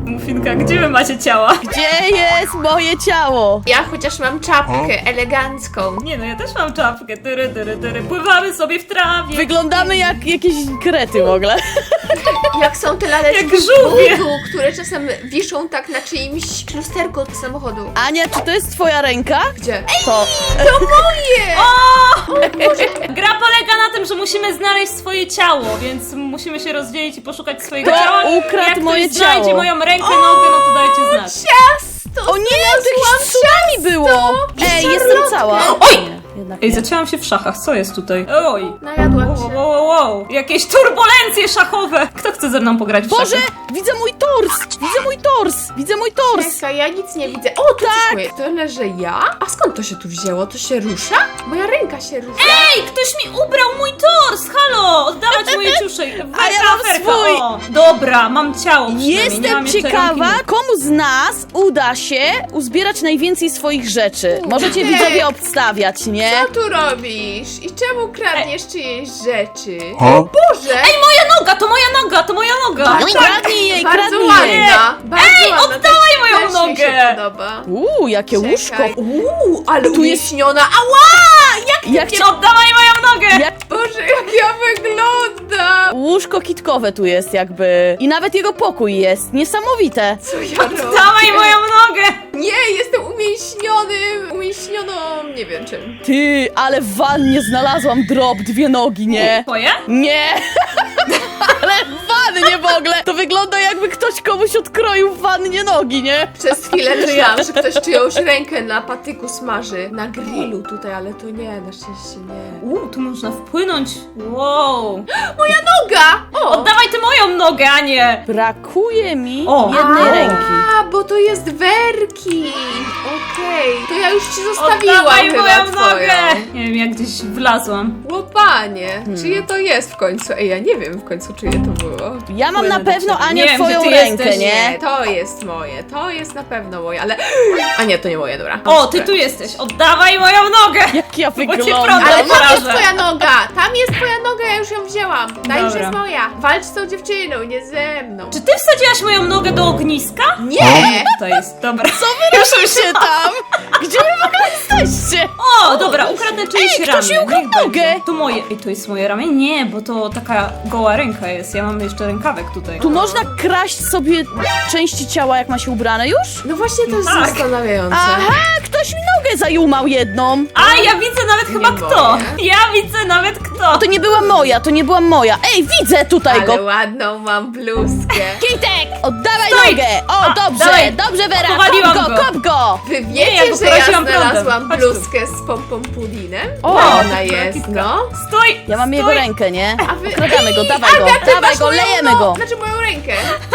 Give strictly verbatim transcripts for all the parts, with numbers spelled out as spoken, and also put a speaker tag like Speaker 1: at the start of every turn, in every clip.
Speaker 1: Mufinka, gdzie wy macie ciała?
Speaker 2: Gdzie jest moje ciało?
Speaker 3: Ja chociaż mam czapkę elegancką.
Speaker 1: Nie no, ja też mam czapkę. Tyry, tyry, tyry. Pływamy sobie w trawie.
Speaker 2: Wyglądamy jak jakieś krety w ogóle.
Speaker 3: Jak są te laleczki
Speaker 1: Jak żółwie.
Speaker 3: z budu, które czasem wiszą tak na czyimś lusterku od samochodu.
Speaker 2: Ania, czy to jest twoja ręka?
Speaker 3: Gdzie?
Speaker 2: To.
Speaker 3: To moje!
Speaker 1: Gra polega na tym, że musimy znaleźć swoje ciało, więc musimy się rozdzielić i poszukać swojego
Speaker 2: Kto
Speaker 1: ciała.
Speaker 2: ukradł
Speaker 1: Jak
Speaker 2: moje
Speaker 1: ktoś znajdzie
Speaker 2: ciało?
Speaker 1: moją rękę, nogę, no to dajcie znać.
Speaker 3: Ciasto!
Speaker 2: O nie, to jakieś tsunami było! Ej, jestem
Speaker 3: szarlotkę.
Speaker 2: cała.
Speaker 1: Oj!
Speaker 2: Nie, jednak
Speaker 1: Ej,
Speaker 2: nie.
Speaker 1: zacięłam się w szachach, co jest tutaj? Oj!
Speaker 3: Najadłam
Speaker 1: Wow,
Speaker 3: się.
Speaker 1: wow, wow, wow. Jakieś turbulencje szachowe! Kto chce ze mną pograć w
Speaker 2: Boże,
Speaker 1: szachy?
Speaker 2: widzę mój tors! Widzę mój tors! Widzę mój tors!
Speaker 3: Czekaj, ja nic nie widzę. O, tu
Speaker 2: Tak.
Speaker 3: tak. To leży ja? A skąd to się tu wzięło? To się rusza? Moja ręka się rusza.
Speaker 1: Ej, ktoś mi ubrał mój tors! Halo! Oddawać moje ciusze!
Speaker 2: A ja mam
Speaker 1: Werka,
Speaker 2: swój.
Speaker 1: o. Dobra, mam ciało przynajmniej, nie
Speaker 2: Jestem
Speaker 1: mam jeszcze
Speaker 2: ciekawa,
Speaker 1: ręki.
Speaker 2: komu z nas uda się uzbierać najwięcej swoich rzeczy. Możecie
Speaker 3: Ej.
Speaker 2: widzowie obstawiać, nie?
Speaker 3: Co tu robisz? I czemu kradniesz czyjeś rzeczy?
Speaker 4: Ha?
Speaker 3: O Boże!
Speaker 1: Ej, moja noga! To moja noga! To moja noga!
Speaker 2: Tak, kradnij jej,
Speaker 3: Bardzo
Speaker 2: kradnij jej.
Speaker 3: ładna. Bardzo
Speaker 1: Ej,
Speaker 3: ładna.
Speaker 1: oddawaj
Speaker 3: też,
Speaker 1: moją
Speaker 3: też
Speaker 1: nogę.
Speaker 3: Mi się podoba.
Speaker 2: Uuu, jakie
Speaker 3: Czekaj.
Speaker 2: łóżko.
Speaker 3: Uuu, ale
Speaker 2: Tu jest-
Speaker 3: unieśniona. Ała! Jak
Speaker 2: Jak ci...
Speaker 1: Oddawaj moją nogę!
Speaker 2: Jak...
Speaker 3: Boże, jak ja wyglądam!
Speaker 2: Łóżko kitkowe tu jest jakby. I nawet jego pokój jest. Niesamowite.
Speaker 3: Co ja robię?
Speaker 1: Dawaj moją nogę!
Speaker 3: Nie, jestem umięśnionym, umięśnioną, nie wiem czym.
Speaker 2: Ty, ale w wannie znalazłam drop, dwie nogi, nie?
Speaker 1: Twoje?
Speaker 2: Nie! Ale w wannie w ogóle! To wygląda jakby ktoś komuś odkroił w wannie nogi, nie?
Speaker 3: Przez chwilę myślałam, że ktoś czyjąś rękę na patyku smaży. Na grillu tutaj, ale to nie, na szczęście nie.
Speaker 1: Uuu, tu można wpłynąć. Wow.
Speaker 3: Noga! O!
Speaker 1: Oddawaj ty moją nogę, a nie!
Speaker 2: Brakuje mi
Speaker 1: O.
Speaker 2: jednej
Speaker 1: A.
Speaker 2: ręki.
Speaker 3: A, bo to jest werki! Okej, to ja już ci zostawiłam
Speaker 1: Oddawaj
Speaker 3: chyba
Speaker 1: moją
Speaker 3: twoją.
Speaker 1: nogę! Nie wiem, jak gdzieś wlazłam.
Speaker 3: Łopanie,
Speaker 2: Hmm.
Speaker 3: czyje to jest w końcu? Ej, ja nie wiem w końcu czyje to było.
Speaker 2: Ja mam na
Speaker 1: Płynę do
Speaker 2: pewno,
Speaker 1: ciebie.
Speaker 2: Ania,
Speaker 1: Nie wiem,
Speaker 2: twoją
Speaker 1: gdzie ty
Speaker 2: rękę,
Speaker 1: jesteś.
Speaker 2: nie?
Speaker 3: To jest moje, to jest na pewno moje, ale... A nie, to nie moje, dobra.
Speaker 1: O, ty tu jesteś! Oddawaj moją nogę!
Speaker 2: Jak ja
Speaker 1: Bo cię
Speaker 2: wyglądam.
Speaker 1: prądem
Speaker 3: Ale tam jest
Speaker 1: porażę.
Speaker 3: twoja noga! Tam jest twoja noga, ja już ją wzięłam. Ta już
Speaker 1: Dobra.
Speaker 3: jest moja. Walcz z tą dziewczyną, nie ze mną.
Speaker 1: Czy ty wsadziłaś moją nogę do ogniska?
Speaker 3: Nie!
Speaker 1: To jest, dobra.
Speaker 2: Co wy robicie tam? Gdzie wy w ogóle jesteście?
Speaker 1: O, dobra, ukradnę czyjeś
Speaker 2: Ej,
Speaker 1: ramię.
Speaker 2: ktoś mi ukradł
Speaker 1: Niech będzie.
Speaker 2: nogę.
Speaker 1: To moje. Ej, to jest moje ramię? Nie, bo to taka goła ręka jest. Ja mam jeszcze rękawek tutaj.
Speaker 2: Tu można kraść sobie części ciała, jak ma się ubrane już?
Speaker 3: No właśnie to jest
Speaker 1: Tak.
Speaker 3: zastanawiające.
Speaker 2: Aha, ktoś mi nogę zajumał jedną.
Speaker 1: A, ja widzę nawet chyba
Speaker 3: Nie
Speaker 1: kto.
Speaker 3: moje.
Speaker 1: Ja widzę nawet kto.
Speaker 2: To nie była moja, to nie była moja. Ej, widzę tutaj
Speaker 3: Ale
Speaker 2: go.
Speaker 3: ładną mam bluzkę.
Speaker 2: Kitek, oddawaj
Speaker 1: Stój!
Speaker 2: nogę. O,
Speaker 1: A,
Speaker 2: dobrze,
Speaker 1: dawaj.
Speaker 2: dobrze, Wera,
Speaker 1: Powaliłam
Speaker 2: kop go,
Speaker 1: go.
Speaker 2: kop go.
Speaker 3: Wy
Speaker 1: Nie, ja
Speaker 3: wiecie,
Speaker 1: go
Speaker 3: że ja
Speaker 1: poraziłam prądem.
Speaker 3: znalazłam
Speaker 1: Chodź tu.
Speaker 3: bluzkę z pompą pudinem?
Speaker 2: O,
Speaker 3: Ona
Speaker 1: taka
Speaker 3: jest,
Speaker 1: kitka.
Speaker 3: no.
Speaker 1: Stój!
Speaker 2: Ja mam
Speaker 1: stój.
Speaker 2: jego rękę, nie?
Speaker 3: A wy...
Speaker 2: Okradamy go,
Speaker 3: Ej,
Speaker 2: dawaj go,
Speaker 3: Aga, ty
Speaker 2: dawaj
Speaker 3: masz
Speaker 2: go,
Speaker 3: moją
Speaker 2: lejemy
Speaker 3: no-
Speaker 2: go.
Speaker 3: Znaczy moją rękę.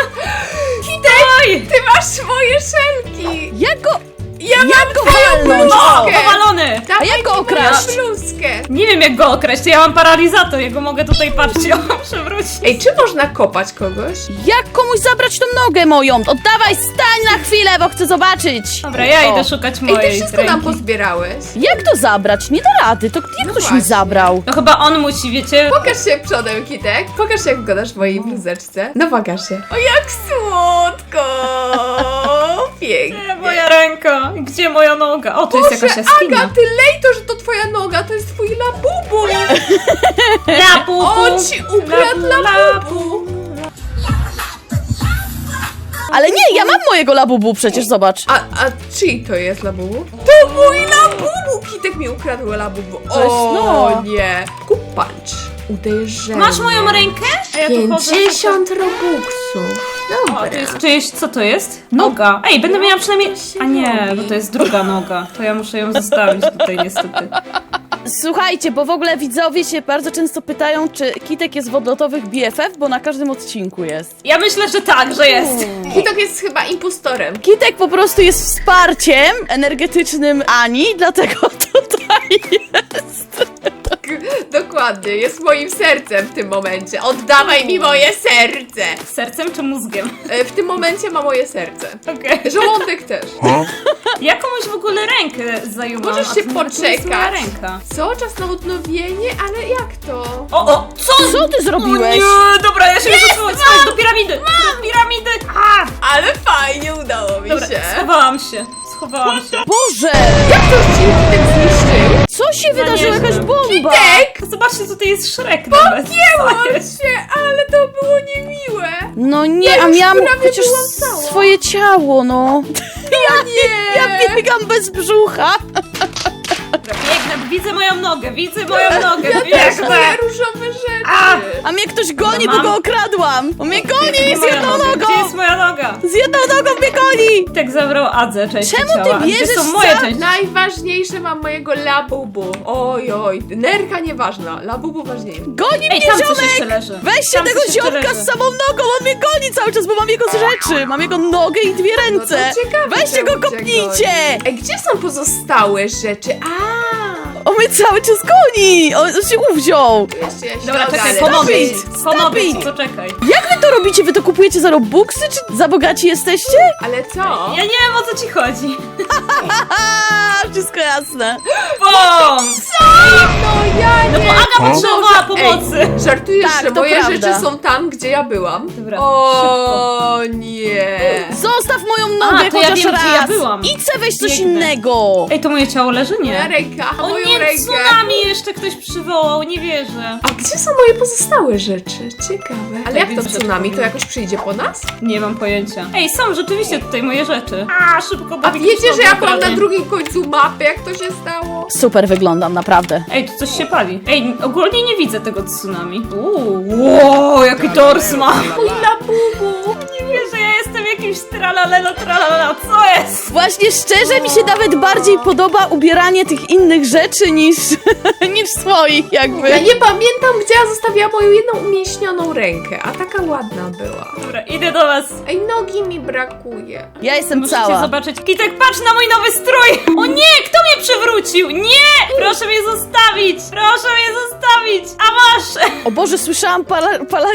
Speaker 1: Stój!
Speaker 3: Ty masz moje szelki.
Speaker 2: Jak go,
Speaker 3: Ja
Speaker 2: jak
Speaker 3: mam
Speaker 2: go
Speaker 3: twoją
Speaker 2: walnąć?
Speaker 1: O,
Speaker 3: bluzkę.
Speaker 1: powalony!
Speaker 3: Dawaj
Speaker 2: jak go
Speaker 3: mi
Speaker 2: okraść?
Speaker 3: moją bluzkę.
Speaker 1: Nie wiem jak go okraść, ja mam paralizator, ja go mogę tutaj, patrzcie, ja muszę wrócić.
Speaker 3: Ej, czy można kopać kogoś?
Speaker 2: Jak komuś zabrać tą nogę moją? Oddawaj, stań na chwilę, bo chcę zobaczyć.
Speaker 1: Dobra, ja
Speaker 2: O.
Speaker 1: idę szukać
Speaker 3: Ej, ty
Speaker 1: mojej
Speaker 3: wszystko
Speaker 1: ręki.
Speaker 3: nam pozbierałeś.
Speaker 2: Jak to zabrać? Nie da rady, to jak
Speaker 3: No
Speaker 2: ktoś mi
Speaker 3: właśnie.
Speaker 2: zabrał?
Speaker 1: To chyba on musi, wiecie...
Speaker 3: Pokaż się przodem, Kitek. Pokaż się, jak gadasz w mojej bluzeczce. No pokaż się. O, jak słodko!
Speaker 1: Gdzie
Speaker 3: Pięknie.
Speaker 1: moja ręka? Gdzie moja noga? O, to jest
Speaker 3: Boże,
Speaker 1: jakaś jaskinia.
Speaker 3: Aga, ty lej to, że to twoja noga, to jest twój labubu.
Speaker 1: Labubu!
Speaker 3: On ci ukradł labubu.
Speaker 2: Ale nie, ja mam mojego labubu przecież, zobacz.
Speaker 3: A, a czyj to jest labubu? To mój labubu! Kitek mi ukradł labubu.
Speaker 2: To jest
Speaker 3: O
Speaker 2: no.
Speaker 3: nie. Kup punch. Uderzenie.
Speaker 1: Masz moją rękę? A ja tu chodzę.
Speaker 3: pięćdziesiąt robuxów. Dobra.
Speaker 1: O, to jest czyjeś, co to jest? Noga. Ej, będę miała przynajmniej... A nie, bo to jest druga noga. To ja muszę ją zostawić tutaj niestety.
Speaker 2: Słuchajcie, bo w ogóle widzowie się bardzo często pytają, czy Kitek jest w odlotowych B F F, bo na każdym odcinku jest.
Speaker 1: Ja myślę, że tak, że jest.
Speaker 3: Kitek jest chyba impostorem.
Speaker 2: Kitek po prostu jest wsparciem energetycznym Ani, dlatego tutaj jest.
Speaker 3: Dokładnie. dokładnie. Jest moim sercem w tym momencie. Oddawaj mi moje serce.
Speaker 1: Sercem czy mózgiem?
Speaker 3: E, W tym momencie ma moje serce.
Speaker 1: Okej.
Speaker 3: Żołądek też.
Speaker 1: Ja komuś w ogóle rękę zajumałam.
Speaker 3: Możesz
Speaker 1: a
Speaker 3: się
Speaker 1: to nawet nie jest moja
Speaker 3: poczekać.
Speaker 1: ręka.
Speaker 3: Co? Czas na odnowienie? Ale jak to?
Speaker 1: O, o, co?
Speaker 2: Co ty zrobiłeś?
Speaker 1: O nie, dobra, ja się muszę schować, schować do piramidy! Do piramidy! A!
Speaker 3: Ale fajnie udało mi
Speaker 1: Dobra,
Speaker 3: się.
Speaker 1: schowałam się. Schowałam się.
Speaker 2: Boże!
Speaker 3: Jak to ci tak zniszczył?
Speaker 2: Co się wydarzyło?
Speaker 1: nieźle.
Speaker 2: Jakaś bomba!
Speaker 3: Tak!
Speaker 1: Zobaczcie, tutaj jest Shrek nawet. Co
Speaker 3: Pogięło
Speaker 1: jest?
Speaker 3: się, ale to było niemiłe.
Speaker 2: No nie,
Speaker 3: Ja
Speaker 2: a
Speaker 3: już
Speaker 2: miałam
Speaker 3: prawie
Speaker 2: chociaż
Speaker 3: byłam cała.
Speaker 2: swoje ciało, no.
Speaker 3: Nie!
Speaker 2: Ja biegam bez brzucha.
Speaker 1: Dobra, biegnę, widzę moją nogę, widzę moją nogę,
Speaker 3: Też
Speaker 1: biegnę.
Speaker 3: moje różowe rzeczy.
Speaker 1: A!
Speaker 2: A mnie ktoś goni,
Speaker 1: Dobra,
Speaker 2: bo
Speaker 1: mam.
Speaker 2: go okradłam. On mnie
Speaker 1: Gdzie
Speaker 2: goni z
Speaker 1: moja
Speaker 2: jedną
Speaker 1: noga?
Speaker 2: nogą.
Speaker 1: Gdzie jest moja noga?
Speaker 2: Z jedną nogą mnie goni.
Speaker 1: Tak zabrał Adze część
Speaker 2: Czemu ty
Speaker 1: ciała. Gdzie
Speaker 2: bierzesz
Speaker 1: są moje
Speaker 2: za-
Speaker 1: części?
Speaker 3: Najważniejsze mam mojego labubu. Oj, oj. Nerka nieważna, labubu ważniejsze.
Speaker 2: Goni
Speaker 1: Ej,
Speaker 2: mnie
Speaker 1: tam coś
Speaker 2: ziomek.
Speaker 1: jeszcze leży.
Speaker 2: Weźcie
Speaker 1: Tam
Speaker 2: tego
Speaker 1: coś jeszcze
Speaker 2: ziomka
Speaker 1: leży.
Speaker 2: z samą nogą, on mnie goni cały czas, bo mam jego rzeczy. Mam jego nogę i dwie ręce.
Speaker 3: No to ciekawe,
Speaker 2: Weźcie
Speaker 3: czemu
Speaker 2: go,
Speaker 3: cię
Speaker 2: kopnijcie.
Speaker 3: goni. Ej, gdzie są pozostałe rzeczy? A,
Speaker 2: On mnie cały czas goni. On się uwziął.
Speaker 3: tu jeszcze jest
Speaker 1: Dobra, czekaj,
Speaker 3: dalej.
Speaker 1: pomogę
Speaker 2: Stop
Speaker 1: ci.
Speaker 2: it!
Speaker 1: Pomogę
Speaker 2: Stop
Speaker 1: ci,
Speaker 2: it!
Speaker 1: poczekaj.
Speaker 2: Jak wy to robicie? Wy to kupujecie za robuxy, czy za bogaci jesteście?
Speaker 3: Ale co?
Speaker 1: Ja nie wiem, o co ci chodzi.
Speaker 2: Haha, wszystko jasne.
Speaker 1: Bom!
Speaker 3: No ja nie.
Speaker 1: No bo Aga potrzebowała pomocy.
Speaker 3: Ej, żartujesz,
Speaker 2: Tak,
Speaker 3: że
Speaker 2: to
Speaker 3: moje
Speaker 2: prawda.
Speaker 3: rzeczy są tam, gdzie ja byłam?
Speaker 1: Dobra,
Speaker 3: O nie.
Speaker 2: Zostaw moją nogę
Speaker 1: to ja
Speaker 2: chociaż
Speaker 1: wiem,
Speaker 2: raz.
Speaker 1: gdzie ja byłam.
Speaker 2: Idź se weź coś
Speaker 1: Biegnę.
Speaker 2: innego.
Speaker 1: Ej, to moje ciało leży?
Speaker 3: Moja
Speaker 1: Nie.
Speaker 3: ręka,
Speaker 1: O
Speaker 3: moją
Speaker 1: nie,
Speaker 3: rękę.
Speaker 1: tsunami jeszcze ktoś przywołał, nie wierzę.
Speaker 3: A gdzie są moje pozostałe rzeczy? Ciekawe. Ale jak to
Speaker 1: widzę, że
Speaker 3: tsunami? To
Speaker 1: powinno.
Speaker 3: jakoś przyjdzie po nas?
Speaker 1: Nie mam pojęcia. Ej, są rzeczywiście tutaj moje rzeczy. A, szybko, bo
Speaker 3: A
Speaker 1: widzisz,
Speaker 3: wiecie, że ja
Speaker 1: mam
Speaker 3: byłam na
Speaker 1: wrażenie.
Speaker 3: drugim końcu mapy, jak to się stało?
Speaker 2: Super wyglądam, naprawdę.
Speaker 1: Ej, tu coś się pali. Ej, ogólnie nie widzę tego tsunami. Uuu, wow, jaki tors ma.
Speaker 3: Mój labubu.
Speaker 1: Nie wierzę, ja jestem jakimś tralalelo tralala, co jest?
Speaker 2: Właśnie szczerze mi się nawet bardziej podoba ubieranie tych innych rzeczy niż, niż swoich jakby.
Speaker 3: Ja nie pamiętam, gdzie ja zostawiłam moją jedną umieśnioną rękę, a taka ładna była.
Speaker 1: Dobra, idę do was.
Speaker 3: Ej, nogi mi brakuje.
Speaker 2: Ja jestem
Speaker 1: Musicie
Speaker 2: cała.
Speaker 1: zobaczyć. Kitek, patrz na mój nowy strój! O nie, kto mnie przewrócił? Nie! Proszę mnie zostawić! Proszę mnie zostawić! A masz!
Speaker 2: O Boże, słyszałam palar... palar...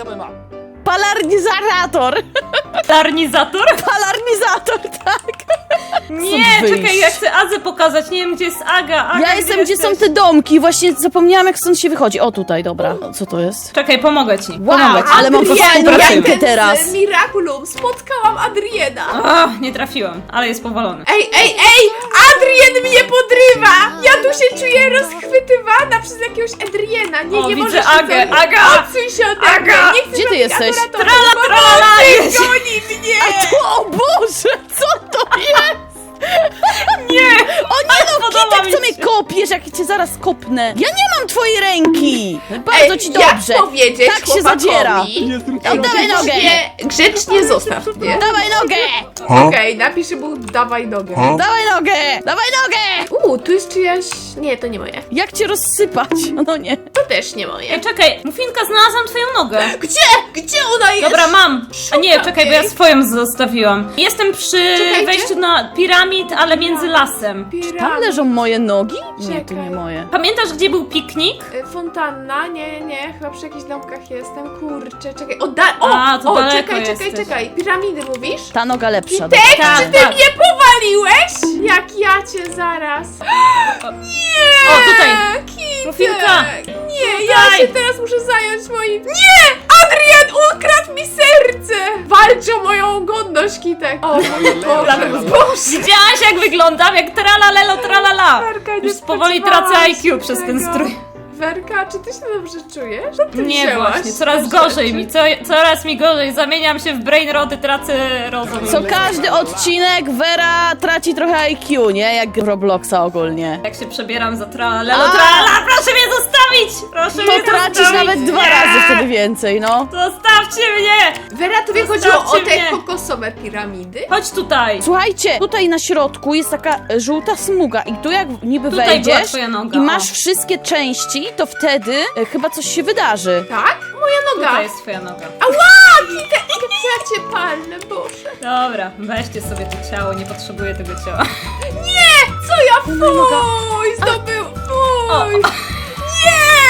Speaker 2: Palarnizator!
Speaker 1: Darnizator?
Speaker 2: Palarnizator, tak!
Speaker 1: Nie,
Speaker 2: wyjść.
Speaker 1: czekaj, ja chcę Azę pokazać. Nie wiem, gdzie jest Aga. Aga
Speaker 2: Ja jestem, gdzie są
Speaker 1: jesteś?
Speaker 2: te domki. Właśnie zapomniałam, jak stąd się wychodzi. O, tutaj, dobra. Co to jest?
Speaker 1: Czekaj, pomogę ci.
Speaker 2: Wow,
Speaker 1: pomogę ci.
Speaker 2: ale mam
Speaker 3: Adrian,
Speaker 2: fajną
Speaker 3: ja
Speaker 2: rękę
Speaker 3: ten
Speaker 2: teraz.
Speaker 3: z Miraculum, spotkałam Adriena.
Speaker 1: O, nie trafiłam, ale jest powalony.
Speaker 3: Ej, ej, ej! Adrien mnie podrywa! Ja tu się czuję rozchwytywana przez jakiegoś Adriena. Nie,
Speaker 1: O,
Speaker 3: nie
Speaker 1: widzę
Speaker 3: możesz się
Speaker 1: Agę,
Speaker 3: ze mną-
Speaker 1: Aga!
Speaker 3: Odsuń się ode
Speaker 1: Aga!
Speaker 3: mnie! Nie chcę
Speaker 2: Gdzie ty
Speaker 3: robić
Speaker 2: jesteś?
Speaker 3: adoratorów.
Speaker 1: Trala, tralala,
Speaker 3: Pomocy,
Speaker 1: jest!
Speaker 3: goni mnie!
Speaker 2: O Boże, co to jest?
Speaker 1: Nie!
Speaker 2: O nie no,
Speaker 1: podoba mi
Speaker 2: Kitek, co
Speaker 1: się.
Speaker 2: mnie kopiesz, jak cię zaraz kopnę. Ja nie mam twojej ręki. Bardzo
Speaker 3: Ej,
Speaker 2: ci dobrze.
Speaker 3: Jak powiedzieć
Speaker 2: Tak się
Speaker 3: chłopakowi?
Speaker 2: zadziera.
Speaker 3: Ej,
Speaker 2: Dawaj nogę.
Speaker 3: grzecznie, grzecznie zostaw mnie.
Speaker 2: Dawaj nogę!
Speaker 3: Okej, napiszę mu dawaj nogę.
Speaker 2: Dawaj nogę! Dawaj nogę!
Speaker 3: Uuu, tu jest czyjaś... Nie, to nie moje.
Speaker 2: Jak cię rozsypać? No nie.
Speaker 3: To też nie moje.
Speaker 1: Ej, czekaj, Mufinka, znalazłam twoją nogę.
Speaker 3: Gdzie? Gdzie ona jest?
Speaker 1: Dobra, mam. A nie,
Speaker 3: Szukam
Speaker 1: czekaj, bo ja
Speaker 3: jej.
Speaker 1: swoją zostawiłam. Jestem przy
Speaker 3: Czekajcie.
Speaker 1: wejściu na piramid, ale między lasem.
Speaker 2: Tam leżą moje nogi? Nie, to
Speaker 3: Czekaj.
Speaker 2: nie moje.
Speaker 1: Pamiętasz, gdzie był piknik?
Speaker 3: Y, Fontanna? Nie, nie, chyba przy jakichś domkach jestem. Kurczę, czekaj. O, da... o,
Speaker 1: A, to
Speaker 3: o
Speaker 1: daleko
Speaker 3: czekaj, czekaj,
Speaker 1: jesteś.
Speaker 3: czekaj. Piramidy mówisz?
Speaker 2: Ta noga lepsza.
Speaker 3: Kitek,
Speaker 1: Tak,
Speaker 3: czy ty
Speaker 1: tak.
Speaker 3: mnie powaliłeś? Jak ja cię zaraz.
Speaker 1: O, tutaj.
Speaker 3: Kitek!
Speaker 1: Mufinka.
Speaker 3: Nie, ja
Speaker 1: Tutaj.
Speaker 3: się teraz muszę zająć moim... Nie! Adrian ukradł mi serce! Walcz o moją godność, Kitek. O mój Boże, Boże.
Speaker 1: Widziałaś, jak wyglądam? Jak tralalelo tralala.
Speaker 3: Werka, nie
Speaker 1: Już powoli
Speaker 3: spodziewałaś
Speaker 1: tracę I
Speaker 3: się
Speaker 1: Q przez ten
Speaker 3: tego.
Speaker 1: strój.
Speaker 3: Werka, czy ty się dobrze czujesz? Co ty
Speaker 1: Nie
Speaker 3: wzięłaś?
Speaker 1: właśnie, coraz
Speaker 3: Te
Speaker 1: gorzej
Speaker 3: rzeczy?
Speaker 1: mi, co, coraz mi gorzej. Zamieniam się w brainrody, tracę rozum.
Speaker 2: Co każdy odcinek Vera traci trochę I Q, nie? Jak w Robloxa ogólnie.
Speaker 1: Jak się przebieram za tralalelo
Speaker 2: A.
Speaker 1: tralala, proszę mnie zostawić! Proszę
Speaker 2: To
Speaker 1: mnie
Speaker 2: tracisz
Speaker 1: zostawić!
Speaker 2: nawet dwa
Speaker 1: Nie!
Speaker 2: razy wtedy więcej, no.
Speaker 1: Zostawcie mnie!
Speaker 3: Wera, tobie chodziło o
Speaker 1: Zostawcie
Speaker 3: te
Speaker 1: mnie.
Speaker 3: kokosowe piramidy?
Speaker 1: Chodź tutaj.
Speaker 2: Słuchajcie, tutaj na środku jest taka e, żółta smuga i tu jak niby
Speaker 1: Tutaj była
Speaker 2: wejdziesz
Speaker 1: twoja noga,
Speaker 2: i masz
Speaker 1: o.
Speaker 2: wszystkie części, to wtedy e, chyba coś się wydarzy.
Speaker 3: Tak? Moja noga.
Speaker 1: Tutaj jest twoja noga.
Speaker 3: Ała! Kitek, jak ja cię palnę, Boże.
Speaker 1: Dobra, weźcie sobie to ciało, nie potrzebuję tego ciała.
Speaker 3: Nie! Co ja? Fuj! Zdobył!
Speaker 1: O,
Speaker 3: Fuj! Nie!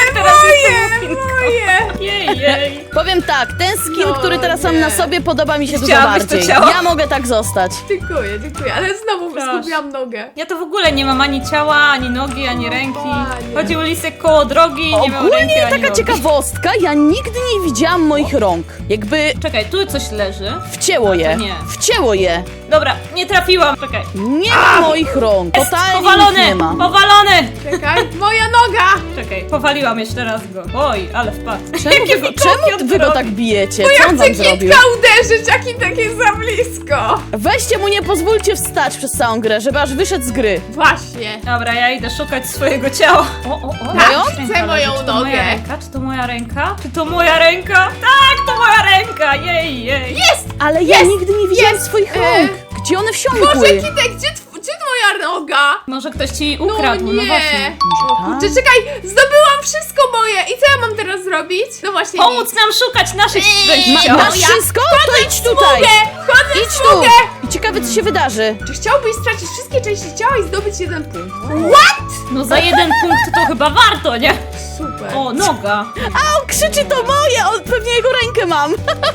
Speaker 1: teraz jestem
Speaker 3: moje,
Speaker 1: mufinką.
Speaker 3: moje.
Speaker 1: Jej, jej.
Speaker 2: Powiem tak, ten skin,
Speaker 3: No
Speaker 2: który teraz mam
Speaker 3: nie.
Speaker 2: na sobie, podoba mi się dużo
Speaker 1: Chciałabyś to
Speaker 2: bardziej.
Speaker 1: ciało?
Speaker 2: Ja mogę tak zostać.
Speaker 3: Dziękuję, dziękuję, ale znowu
Speaker 1: Proszę.
Speaker 3: zgubiłam nogę.
Speaker 1: Ja to w ogóle nie mam ani ciała, ani nogi, ani
Speaker 3: No,
Speaker 1: ręki.
Speaker 3: panie.
Speaker 1: Chodził lisek koło drogi i nie miał ręki
Speaker 2: Ogólnie
Speaker 1: ani
Speaker 2: taka
Speaker 1: nogi.
Speaker 2: ciekawostka, ja nigdy nie widziałam moich rąk. Jakby
Speaker 1: Czekaj, tu coś leży.
Speaker 2: wcięło je.
Speaker 1: nie.
Speaker 2: Wcięło je.
Speaker 1: Dobra, nie trafiłam. Czekaj.
Speaker 2: Nie ma moich rąk.
Speaker 1: Jest
Speaker 2: Totalnie ich
Speaker 1: powalony!
Speaker 2: nie ma.
Speaker 1: Powalony!
Speaker 3: Czekaj, moja noga!
Speaker 1: Czekaj, powaliłam jeszcze raz go. Oj, ale wpadł.
Speaker 2: Czemu wy, go,
Speaker 1: fikołki
Speaker 2: czemu
Speaker 1: on
Speaker 2: wy go
Speaker 1: robi?
Speaker 2: tak bijecie?
Speaker 3: Bo
Speaker 2: Co
Speaker 3: ja
Speaker 2: on
Speaker 3: chcę
Speaker 2: wam zrobił?
Speaker 3: Kitka uderzyć, a Kitek jest za blisko.
Speaker 2: Weźcie mu, nie pozwólcie wstać przez całą grę, żeby aż wyszedł z gry.
Speaker 3: Właśnie.
Speaker 1: Dobra, ja idę szukać swojego ciała. O, o, o.
Speaker 2: Moją?
Speaker 1: jakaś ręka
Speaker 3: Chcę moją
Speaker 1: leży. Czy to
Speaker 3: nogę.
Speaker 1: moja ręka? Czy to moja ręka? Czy to moja ręka? Tak, to moja ręka! Jej, jej.
Speaker 3: Jest!
Speaker 2: Ale ja
Speaker 3: Jest!
Speaker 2: nigdy nie widziałam
Speaker 3: Jest!
Speaker 2: swoich
Speaker 3: E,
Speaker 2: rąk. Gdzie one wsiąkły?
Speaker 3: Boże, Kitek, gdzie, tw- gdzie moja noga?
Speaker 1: Może ktoś ci
Speaker 3: No
Speaker 1: ukradł, no,
Speaker 3: nie.
Speaker 1: właśnie.
Speaker 3: O
Speaker 2: tak?
Speaker 3: kurczę, czekaj, zdobyłam wszystko moje. I co ja mam teraz zrobić? No właśnie
Speaker 1: Pomóc
Speaker 3: nic.
Speaker 1: nam szukać naszych
Speaker 2: Ma,
Speaker 1: części ciała.
Speaker 2: masz wszystko? To idź tutaj.
Speaker 3: Mogę, chodzę
Speaker 2: Idź
Speaker 3: w
Speaker 2: tu.
Speaker 3: smugę.
Speaker 2: I ciekawe, co się wydarzy.
Speaker 3: Czy chciałbyś stracić wszystkie części ciała i zdobyć jeden punkt? What?
Speaker 1: No za jeden punkt to chyba warto, nie?
Speaker 3: Super.
Speaker 1: O, noga.
Speaker 2: A on krzyczy, to moje! On pewnie jego rękę mam.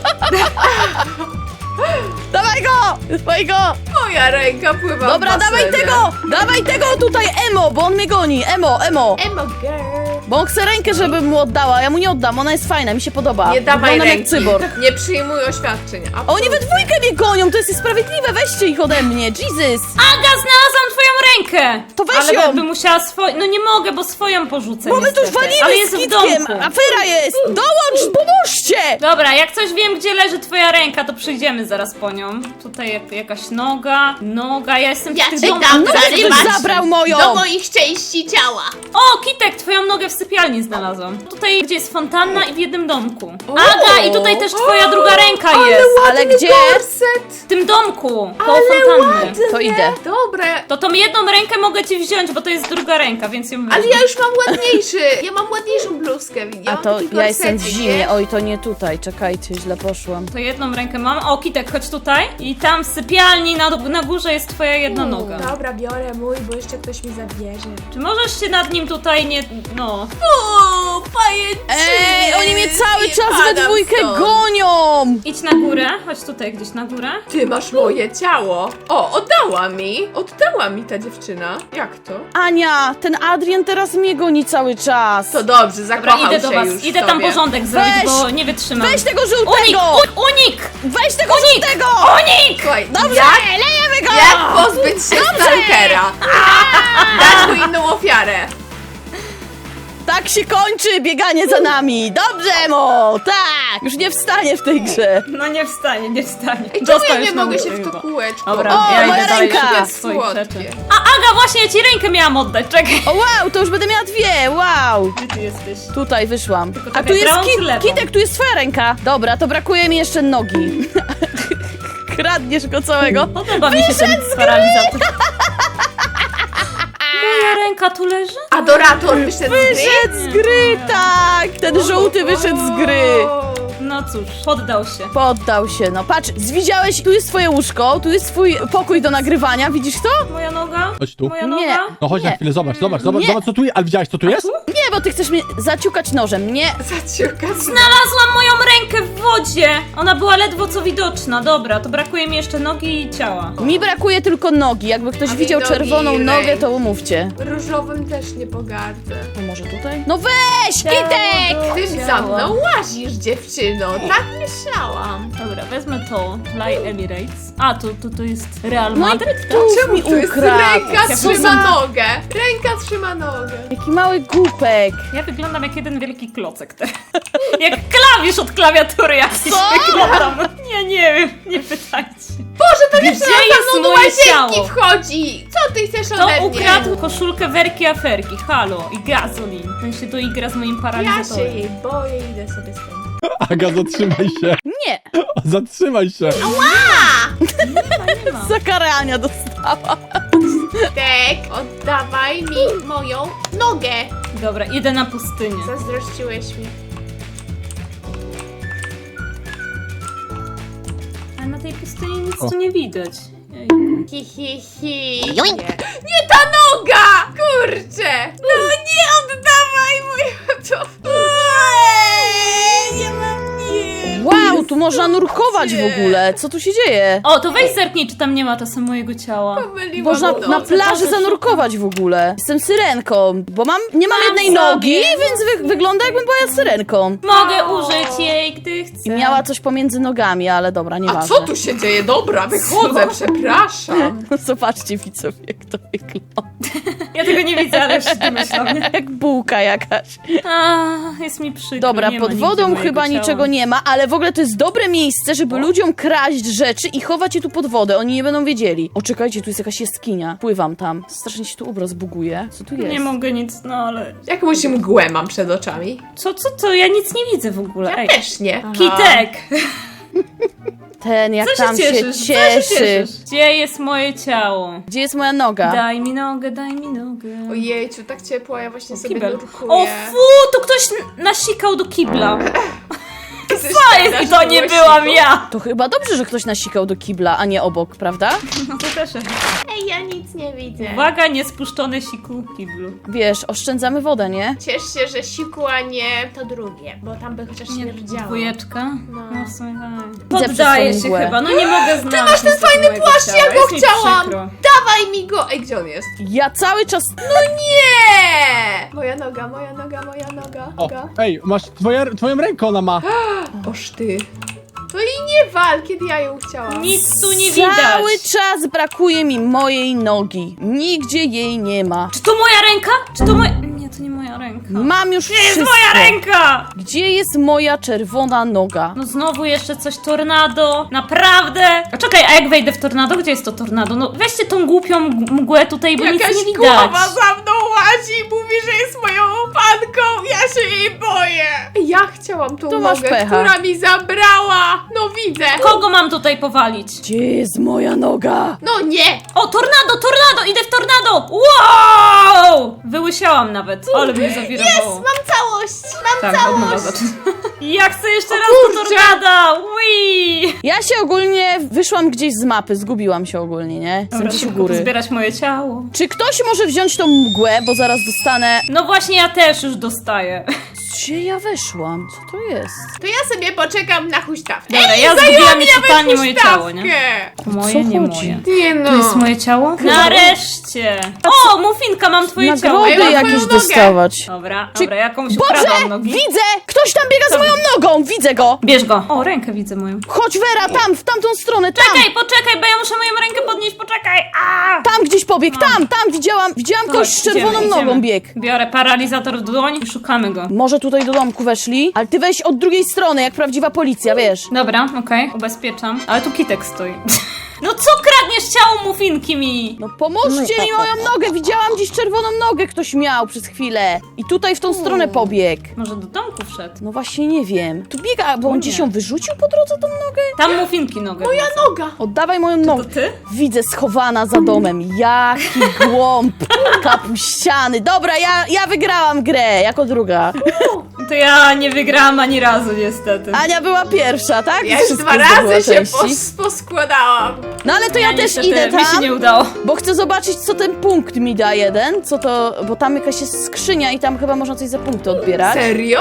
Speaker 2: Dawaj go! Dawaj go!
Speaker 3: Moja ręka pływa
Speaker 2: Dobra,
Speaker 3: w
Speaker 2: dawaj
Speaker 3: basenie.
Speaker 2: tego! Dawaj tego tutaj, Emo, bo on mnie goni. Emo, Emo.
Speaker 3: Emo girl.
Speaker 2: Bo on chce rękę, żebym mu oddała. Ja mu nie oddam, ona jest fajna, mi się podoba.
Speaker 3: Nie dawaj
Speaker 2: Wyglądam jak
Speaker 3: ręki.
Speaker 2: cyborg.
Speaker 3: Nie przyjmuj oświadczeń.
Speaker 2: A oni we dwójkę mnie gonią, to jest niesprawiedliwe, weźcie ich ode mnie, Jesus!
Speaker 1: Aga, znalazłam twoją rękę!
Speaker 2: To weź
Speaker 1: Ale
Speaker 2: ją.
Speaker 1: by musiała swoją... No nie mogę, bo swoją porzucę
Speaker 2: Bo my tu
Speaker 1: niestety.
Speaker 2: walimy
Speaker 1: Ale jest
Speaker 2: z
Speaker 1: w
Speaker 2: Kitkiem!
Speaker 1: domku.
Speaker 2: Afera jest! Dołącz, pomóżcie!
Speaker 1: Dobra, jak coś wiem, gdzie leży twoja ręka, to przyjdziemy zaraz po nią. Tutaj jak, jakaś noga, noga, ja jestem
Speaker 4: Ja
Speaker 1: w tych
Speaker 4: cię
Speaker 1: domkach.
Speaker 4: dam
Speaker 2: No
Speaker 4: zarywać.
Speaker 2: ktoś zabrał moją!
Speaker 4: Do moich części ciała.
Speaker 1: O, Kitek, twoją nogę w sypialni znalazłam. Tutaj, gdzie jest fontanna i w jednym domku.
Speaker 3: O!
Speaker 1: Aga, i tutaj też twoja druga ręka
Speaker 3: Ale
Speaker 1: jest.
Speaker 2: Ale
Speaker 3: ładny
Speaker 2: gdzie?
Speaker 3: korset.
Speaker 1: W tym domku, koło fontanny.
Speaker 2: To idę.
Speaker 3: Dobre.
Speaker 1: To tą jedną rękę mogę ci wziąć, bo to jest druga ręka, więc ją
Speaker 3: Ale
Speaker 1: wezmę.
Speaker 3: ja już mam ładniejszy. Ja mam ładniejszą bluzkę. Ja
Speaker 2: A
Speaker 3: mam
Speaker 2: to
Speaker 3: taki
Speaker 2: ja jestem w
Speaker 3: korsecik,
Speaker 2: zimie,
Speaker 3: nie?
Speaker 2: oj to nie tutaj, czekajcie, źle poszłam.
Speaker 1: To jedną rękę mam. O, Kitek, chodź tutaj. I tam w sypialni na, na górze jest twoja jedna noga.
Speaker 3: Dobra, biorę mój, bo jeszcze ktoś mi zabierze.
Speaker 1: Czy możesz się nad nim tutaj nie... no...
Speaker 3: O, pajęczyny!
Speaker 2: Ej, oni mnie cały
Speaker 3: Nie
Speaker 2: czas we
Speaker 3: padam
Speaker 2: dwójkę
Speaker 3: stąd.
Speaker 2: gonią!
Speaker 1: Idź na górę, chodź tutaj gdzieś na górę.
Speaker 3: Ty masz moje ciało. O, oddała mi. Oddała mi ta dziewczyna. Jak to?
Speaker 2: Ania, ten Adrian teraz mnie goni cały czas.
Speaker 3: To dobrze,
Speaker 1: Dobra,
Speaker 3: zakochał
Speaker 1: idę do
Speaker 3: się
Speaker 1: was.
Speaker 3: już w
Speaker 1: Idę tam
Speaker 3: tobie.
Speaker 1: porządek zrobić,
Speaker 2: Weź!
Speaker 1: bo nie wytrzymam.
Speaker 2: Weź tego
Speaker 1: Unik!
Speaker 2: żółtego!
Speaker 1: U, unik!
Speaker 2: Weź tego
Speaker 1: Unik!
Speaker 2: żółtego!
Speaker 1: Unik!
Speaker 3: Słuchaj,
Speaker 2: Dobrze,
Speaker 3: jak,
Speaker 2: lejemy go!
Speaker 3: jak pozbyć się stalkera? Dać mu inną ofiarę.
Speaker 2: Tak się kończy bieganie za nami! Dobrze, Emo! Tak! Już nie wstanie w tej grze.
Speaker 1: No nie wstanie, nie wstanie.
Speaker 3: Ej, czemu
Speaker 1: Dostał
Speaker 3: ja
Speaker 1: już
Speaker 3: nie
Speaker 1: na
Speaker 3: mogę
Speaker 1: górę
Speaker 3: się w to
Speaker 1: chyba.
Speaker 3: kółeczko?
Speaker 1: Dobra,
Speaker 2: O,
Speaker 1: ja
Speaker 2: moja
Speaker 1: idę dalej
Speaker 2: ręka!
Speaker 1: szukać swoich
Speaker 3: Słodkie.
Speaker 1: rzeczy. A Aga, właśnie, ja ci rękę miałam oddać, czekaj.
Speaker 2: O wow, to już będę miała dwie, wow!
Speaker 1: Gdzie ty jesteś?
Speaker 2: Tutaj wyszłam.
Speaker 1: Tylko
Speaker 2: A
Speaker 1: czekaj,
Speaker 2: tu jest
Speaker 1: prawą czy
Speaker 2: Kit,
Speaker 1: lewą?
Speaker 2: Kitek, tu jest twoja ręka. Dobra, to brakuje mi jeszcze nogi. Kradniesz go całego.
Speaker 1: Podoba mi się ten paralizator. Moja ręka tu leży?
Speaker 3: Adorator wyszedł z gry?
Speaker 2: Wyszedł z gry, tak! Ten żółty wyszedł z gry.
Speaker 3: O.
Speaker 1: No cóż, poddał się.
Speaker 2: Poddał się, no patrz, widziałeś, tu jest twoje łóżko, tu jest twój pokój do nagrywania, widzisz to?
Speaker 1: Moja noga?
Speaker 5: Chodź tu.
Speaker 1: Moja
Speaker 2: Nie.
Speaker 1: noga?
Speaker 5: No chodź
Speaker 2: Nie.
Speaker 5: na chwilę, zobacz, zobacz, zobacz,
Speaker 2: Nie.
Speaker 5: zobacz co tu jest, ale widziałeś co tu jest?
Speaker 2: Nie, bo ty chcesz mnie zaciukać nożem, nie.
Speaker 3: Zaciuka.
Speaker 1: Znalazłam moją rękę w wodzie! Ona była ledwo co widoczna. Dobra, to brakuje mi jeszcze nogi i ciała.
Speaker 2: Mi brakuje tylko nogi, jakby ktoś
Speaker 3: A mi
Speaker 2: widział
Speaker 3: nogi
Speaker 2: czerwoną
Speaker 3: i
Speaker 2: nogę,
Speaker 3: ręki.
Speaker 2: to umówcie.
Speaker 3: Różowym też nie pogardzę.
Speaker 2: No może tutaj? No weź, Kitek!
Speaker 3: Ty za mną łazisz, dziewczyno. Tak myślałam.
Speaker 1: Dobra, wezmę to. Fly Emirates. A, tu, tu, tu jest Real
Speaker 2: No i
Speaker 1: Madrid, tak?
Speaker 2: tu
Speaker 3: Czemu
Speaker 2: mi
Speaker 3: tu jest
Speaker 2: ukradł.
Speaker 3: ręka
Speaker 1: Ja
Speaker 3: trzyma
Speaker 1: poza-
Speaker 3: nogę? Ręka trzyma nogę.
Speaker 2: Jaki mały głupek.
Speaker 1: Ja wyglądam jak jeden wielki klocek teraz. Jak klawisz od klawiatury jakiś
Speaker 2: Co?
Speaker 1: wyglądam. Ja nie wiem, nie pytajcie.
Speaker 3: Boże, to
Speaker 1: Gdzie
Speaker 3: dziewczyna
Speaker 1: jest
Speaker 3: za mną do
Speaker 1: moje
Speaker 3: łazienki
Speaker 1: ciało?
Speaker 3: wchodzi. Co ty chcesz
Speaker 1: To
Speaker 3: ode mnie?
Speaker 1: ukradł koszulkę Werki Aferki, halo, i gazolin. Ten się doigra z moim
Speaker 3: Ja
Speaker 1: paralizatorem.
Speaker 3: się jej boję, idę sobie stąd.
Speaker 5: Aga, zatrzymaj się,
Speaker 2: Nie,
Speaker 5: zatrzymaj się.
Speaker 1: Nie ma.
Speaker 2: za karania dostała.
Speaker 3: Tak, oddawaj mi moją nogę.
Speaker 1: Dobra, idę na pustynię.
Speaker 3: Zazdrościłeś mi.
Speaker 1: Ale na tej pustyni nic
Speaker 5: O.
Speaker 1: tu nie widać. Ej.
Speaker 3: Hi, hi, hi.
Speaker 4: Joink.
Speaker 3: Nie. nie ta noga! Kurczę! No nie oddawaj moje To...
Speaker 4: Nie mam nic.
Speaker 2: Wow, tu można nurkować w ogóle. Co tu się dzieje?
Speaker 1: O, to weź zerknij, czy tam nie ma czasem mojego ciała.
Speaker 3: Pomyliłam
Speaker 2: Można
Speaker 3: noce.
Speaker 2: na plaży zanurkować w ogóle. Jestem syrenką, bo mam, nie mam
Speaker 1: Mam
Speaker 2: jednej
Speaker 1: sobie.
Speaker 2: nogi, więc wy, wygląda jakbym była syrenką.
Speaker 1: Mogę użyć jej, gdy chcę.
Speaker 2: I miała coś pomiędzy nogami, ale dobra,
Speaker 3: A
Speaker 2: nieważne.
Speaker 3: co tu się dzieje? Dobra, wychodzę, przepraszam.
Speaker 2: Zobaczcie widzowie, jak to wygląda.
Speaker 1: Ja tego nie widzę, ale już się domyślam.
Speaker 2: Jak bułka jakaś.
Speaker 1: A, jest mi przykro.
Speaker 2: Dobra,
Speaker 1: nie ma
Speaker 2: pod
Speaker 1: nigdzie
Speaker 2: wodą
Speaker 1: mojego
Speaker 2: chyba
Speaker 1: ciała.
Speaker 2: niczego nie ma, ale w ogóle to jest dobre miejsce, żeby ludziom kraść rzeczy i chować je tu pod wodę. Oni nie będą wiedzieli. O, czekajcie, tu jest jakaś jaskinia. Pływam tam. Strasznie się tu obraz buguje. Co tu jest?
Speaker 1: Nie mogę nic, no ale...
Speaker 3: Jakąś mgłę mam przed oczami.
Speaker 1: Co, co to? Ja nic nie widzę w ogóle.
Speaker 3: Ja
Speaker 1: Ej,
Speaker 3: też nie.
Speaker 1: Kitek!
Speaker 2: Ten, jak
Speaker 1: Co się
Speaker 2: tam się
Speaker 1: cieszysz? Co się
Speaker 2: cieszy.
Speaker 1: cieszysz? Gdzie jest moje ciało?
Speaker 2: Gdzie jest moja noga?
Speaker 1: Daj mi nogę, daj mi nogę.
Speaker 3: Ojejciu, tak ciepło, ja właśnie sobie
Speaker 1: Kibel.
Speaker 3: nurkuję.
Speaker 1: O fu, tu ktoś n- nasikał do kibla.
Speaker 3: Jesteś
Speaker 1: Co
Speaker 3: pewna,
Speaker 1: jest? I
Speaker 3: że
Speaker 1: to nie
Speaker 3: byłeś
Speaker 1: byłam
Speaker 3: siku?
Speaker 1: ja!
Speaker 2: To chyba dobrze, że ktoś nasikał do kibla, a nie obok, prawda?
Speaker 1: No to też.
Speaker 4: Ej, ja nic nie widzę.
Speaker 1: Uwaga, niespuszczone siku w kiblu.
Speaker 2: Wiesz, oszczędzamy wodę, nie?
Speaker 3: Ciesz się, że siku, a nie...
Speaker 4: To drugie, bo tam by chociaż
Speaker 1: Nie,
Speaker 4: śmierdziało.
Speaker 1: dwójeczka?
Speaker 4: No.
Speaker 1: No w sumie tak.
Speaker 2: Widzę
Speaker 1: Poddaję
Speaker 2: przez tą
Speaker 1: się
Speaker 2: mgłę.
Speaker 1: chyba, no nie mogę znaleźć. Ty
Speaker 3: masz ten fajny płaszcz, ja go chciałam! Dawaj mi go! Ej, gdzie on jest?
Speaker 2: Ja cały czas...
Speaker 3: Nie! Moja noga, moja noga, moja noga.
Speaker 5: O,
Speaker 3: noga.
Speaker 5: ej, masz twoje, twoją rękę ona ma.
Speaker 3: Oż ty. To i nie wal, kiedy ja ją chciałam.
Speaker 1: Nic tu nie widać.
Speaker 2: Cały czas brakuje mi mojej nogi. Nigdzie jej nie ma.
Speaker 1: Czy to moja ręka? Czy to moja... Nie, to nie moja ręka.
Speaker 2: Mam już
Speaker 1: Gdzie jest
Speaker 2: wszystko.
Speaker 1: moja ręka?
Speaker 2: Gdzie jest moja czerwona noga?
Speaker 1: No znowu jeszcze coś tornado. Naprawdę? A czekaj, a jak wejdę w tornado? Gdzie jest to tornado? No weźcie tą głupią m- mgłę tutaj, bo
Speaker 3: Jakaś
Speaker 1: nic nie widać.
Speaker 3: głowa za mną łazi i mówi, że jest moją panką. Ja się jej boję. Ja chciałam tą
Speaker 2: Tu masz
Speaker 3: nogę,
Speaker 2: pecha.
Speaker 3: która mi zabrała. No widzę.
Speaker 1: Kogo mam tutaj powalić?
Speaker 2: Gdzie jest moja noga?
Speaker 3: No nie.
Speaker 1: O, tornado, tornado! Idę w tornado! Wow! Wyłysiałam nawet, ale mnie zawirowało.
Speaker 4: Mam całość! Mam
Speaker 1: Tak, od nowa
Speaker 4: całość!
Speaker 1: zacznę. Ja chcę jeszcze raz do
Speaker 3: kurczę.
Speaker 1: tornada! Wii!
Speaker 2: Ja się ogólnie wyszłam gdzieś z mapy, zgubiłam się ogólnie, nie? Jestem
Speaker 1: Dobra,
Speaker 2: gdzieś u
Speaker 1: szybko
Speaker 2: góry.
Speaker 1: pozbierać moje ciało.
Speaker 2: Czy ktoś może wziąć tą mgłę, bo zaraz dostanę...
Speaker 1: No właśnie, ja też już dostaję.
Speaker 2: Gdzie ja weszłam? Co to jest?
Speaker 3: To ja sobie poczekam na huśtawkę.
Speaker 1: Dobra, ja zgubiłam mi totalnie moje ciało, nie?
Speaker 3: Huśtawkę.
Speaker 1: To moje,
Speaker 2: Co
Speaker 1: nie
Speaker 2: chodzi?
Speaker 1: moje.
Speaker 3: Nie no.
Speaker 1: Tu jest moje ciało? Nareszcie! O, Mufinka, mam twoje ciało.
Speaker 2: Nagrody
Speaker 3: Ja mam
Speaker 2: jakieś
Speaker 3: twoją nogę.
Speaker 2: dostawać.
Speaker 1: Dobra,
Speaker 2: Czy-
Speaker 1: dobra, jakąś
Speaker 2: Boże!
Speaker 1: ukradłam nogi.
Speaker 2: Widzę! Ktoś tam biega z moją nogą! Widzę go!
Speaker 1: Bierz go. O, rękę widzę moją.
Speaker 2: Chodź Vera, tam, w tamtą stronę, tam!
Speaker 1: Czekaj, poczekaj, bo ja muszę moją rękę podnieść, poczekaj! A!
Speaker 2: Tam gdzieś pobiegł, tam, tam, widziałam, widziałam kogoś z
Speaker 1: Chodź,
Speaker 2: czerwoną
Speaker 1: idziemy,
Speaker 2: nogą
Speaker 1: idziemy.
Speaker 2: bieg.
Speaker 1: Biorę paralizator w dłoń i szukamy go.
Speaker 2: Może tutaj do domku weszli, ale ty weź od drugiej strony, jak prawdziwa policja, wiesz.
Speaker 1: Dobra, okej, ubezpieczam. Ale tu kitek stoi. No co kradniesz ciało Mufinki mi?
Speaker 2: No pomóżcie mi moją nogę, widziałam gdzieś czerwoną nogę ktoś miał przez chwilę. I tutaj w tą stronę pobiegł.
Speaker 1: Może do domku wszedł?
Speaker 2: No właśnie nie wiem. Tu biega, bo on
Speaker 1: nie.
Speaker 2: gdzieś ją wyrzucił po drodze tą nogę?
Speaker 1: Tam Mufinki nogę.
Speaker 3: Moja noga.
Speaker 2: Oddawaj moją
Speaker 1: To
Speaker 2: nogę.
Speaker 1: ty?
Speaker 2: Widzę schowana za domem. Jaki głąb. Kapuściany. Dobra, ja, ja wygrałam grę jako druga.
Speaker 1: To ja nie wygrałam ani razu niestety.
Speaker 2: Ania była pierwsza, tak?
Speaker 3: Ja już
Speaker 2: Wszystko
Speaker 3: dwa
Speaker 2: zdobyła
Speaker 3: razy się
Speaker 2: części.
Speaker 3: pos poskładałam.
Speaker 2: No ale to ja, też
Speaker 1: niestety,
Speaker 2: idę
Speaker 1: mi się
Speaker 2: tam,
Speaker 1: nie udało.
Speaker 2: bo chcę zobaczyć, co ten punkt mi da jeden. Co to, bo tam jakaś jest skrzynia i tam chyba można coś za punkty odbierać.
Speaker 3: Serio?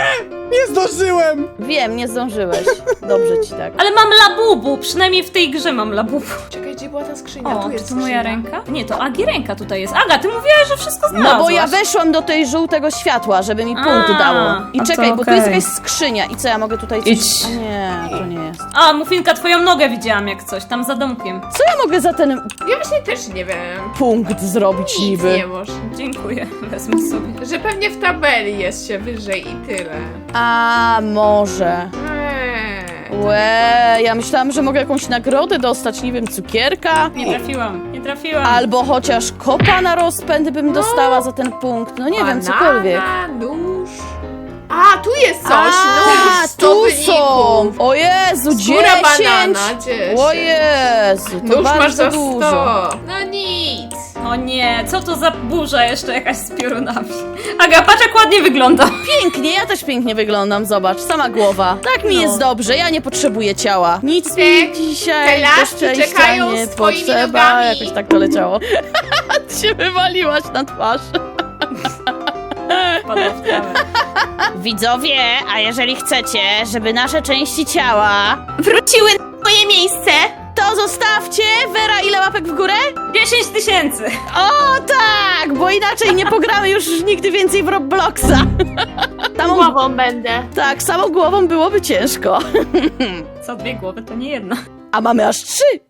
Speaker 5: Nie zdążyłem!
Speaker 2: Wiem, nie zdążyłeś. Dobrze ci tak.
Speaker 1: Ale mam labubu, przynajmniej w tej grze mam labubu.
Speaker 3: Czekaj, gdzie była ta skrzynia?
Speaker 1: O,
Speaker 3: tu
Speaker 1: czy
Speaker 3: jest
Speaker 1: to moja
Speaker 3: skrzynia.
Speaker 1: ręka? Nie, to Agi ręka tutaj jest. Aga, ty mówiłaś, że wszystko znalazłaś.
Speaker 2: No bo ja weszłam do tej żółtego światła, żeby mi punkt
Speaker 1: A,
Speaker 2: dało. I
Speaker 1: a to
Speaker 2: czekaj, bo tu jest
Speaker 1: okej.
Speaker 2: jakaś skrzynia. I co, ja mogę tutaj coś...
Speaker 1: Idź.
Speaker 2: A nie, to nie jest.
Speaker 1: A, Mufinka, twoją nogę widziałam jak coś, tam za domkiem.
Speaker 2: Co ja mogę za ten
Speaker 3: Ja właśnie też nie wiem.
Speaker 2: punkt zrobić
Speaker 3: Nic
Speaker 2: niby?
Speaker 3: nie może.
Speaker 1: Dziękuję, wezmę sobie.
Speaker 3: Że pewnie w tabeli jest się wyżej i tyle.
Speaker 2: A może.
Speaker 3: Eee.
Speaker 2: Łe, ja myślałam, że mogę jakąś nagrodę dostać, nie wiem, cukierka.
Speaker 1: Nie trafiłam, nie trafiłam.
Speaker 2: Albo chociaż kopa na rozpęd bym dostała za ten punkt. No nie wiem,
Speaker 3: Banana,
Speaker 2: cokolwiek.
Speaker 3: nóż. A, tu jest coś.
Speaker 2: A,
Speaker 3: nóż, sto
Speaker 2: tu
Speaker 3: wyników.
Speaker 2: są! O Jezu,
Speaker 3: Skóra
Speaker 2: dziesięć!
Speaker 3: banana, dziesięć.
Speaker 2: O Jezu, to
Speaker 3: Nóż masz
Speaker 2: bardzo
Speaker 3: za
Speaker 2: dużo.
Speaker 3: sto. No nic.
Speaker 1: O nie, co to za burza jeszcze jakaś z piorunami. Aga, patrz jak ładnie wygląda.
Speaker 2: Pięknie, ja też pięknie wyglądam, zobacz, sama głowa. Tak mi
Speaker 1: No.
Speaker 2: jest dobrze, ja nie potrzebuję ciała. Nic
Speaker 3: Te-
Speaker 2: mi dzisiaj
Speaker 3: te
Speaker 2: do
Speaker 3: laski
Speaker 2: szczęścia
Speaker 3: czekają
Speaker 2: nie
Speaker 3: swoimi
Speaker 2: potrzeba.
Speaker 3: nogami.
Speaker 2: Jakoś tak to leciało. Ty się wywaliłaś na twarz.
Speaker 1: Wpadła w trawę.
Speaker 2: Widzowie, a jeżeli chcecie, żeby nasze części ciała,
Speaker 4: Wróciły na moje miejsce.
Speaker 2: to zostawcie, Vera, ile łapek w górę?
Speaker 1: dziesięć tysięcy!
Speaker 2: O tak, bo inaczej nie pogramy już nigdy więcej w Robloxa. Samą,
Speaker 4: Głową będę.
Speaker 2: tak, samą głową byłoby ciężko.
Speaker 1: Co dwie głowy to nie jedna.
Speaker 2: A mamy aż trzy.